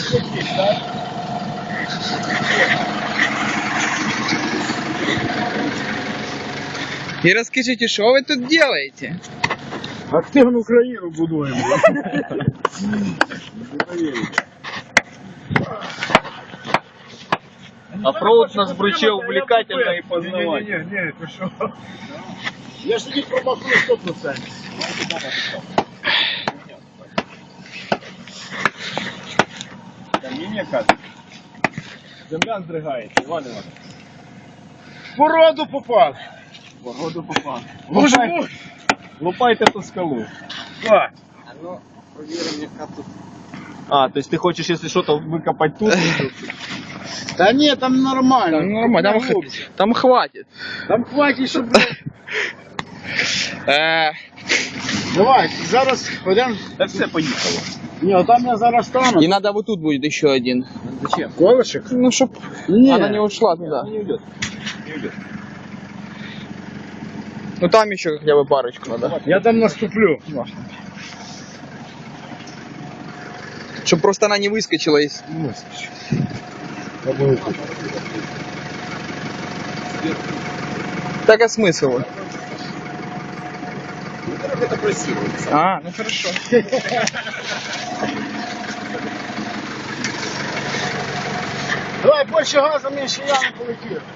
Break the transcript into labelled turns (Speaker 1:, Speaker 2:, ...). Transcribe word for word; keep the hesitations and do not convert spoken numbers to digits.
Speaker 1: И расскажите, что вы тут делаете?
Speaker 2: Активну Україну будуємо.
Speaker 3: А провод нас вручил увлекательно и познавательно.
Speaker 2: Не-не-не, ти що? Я ж тоді промахну сто процентів.
Speaker 3: Каміння каже. Земля здригається, Іван Іванович.
Speaker 2: В породу попав.
Speaker 3: Погоду попав.
Speaker 2: Боже
Speaker 3: Лупай-
Speaker 2: мой.
Speaker 3: Лупайте ту скалу.
Speaker 2: Так.
Speaker 1: А ну, проверим, яка тут.
Speaker 3: А, то есть ты хочешь, если что-то выкопать тут?
Speaker 2: Та ні, там нормально.
Speaker 1: Там нормально, там, х- там хватит.
Speaker 2: Там хватить, щоб...
Speaker 1: Э,
Speaker 2: Давай, зараз пойдемо.
Speaker 3: Да все, поехало.
Speaker 2: Ні, а там я зараз стану.
Speaker 1: и надо вот тут будет еще один.
Speaker 3: Зачем?
Speaker 2: Колышек?
Speaker 1: Ну, чтоб
Speaker 2: Ні.
Speaker 1: она не ушла туда.
Speaker 3: Не уйдет. Не уйдет.
Speaker 1: Ну, там еще хотя бы парочку надо.
Speaker 2: Я там наступлю.
Speaker 1: Чтоб просто она не выскочила из... Так, а смысл?
Speaker 3: Это красиво.
Speaker 1: А, ну хорошо.
Speaker 2: Давай, більше газу, менше я не полетів.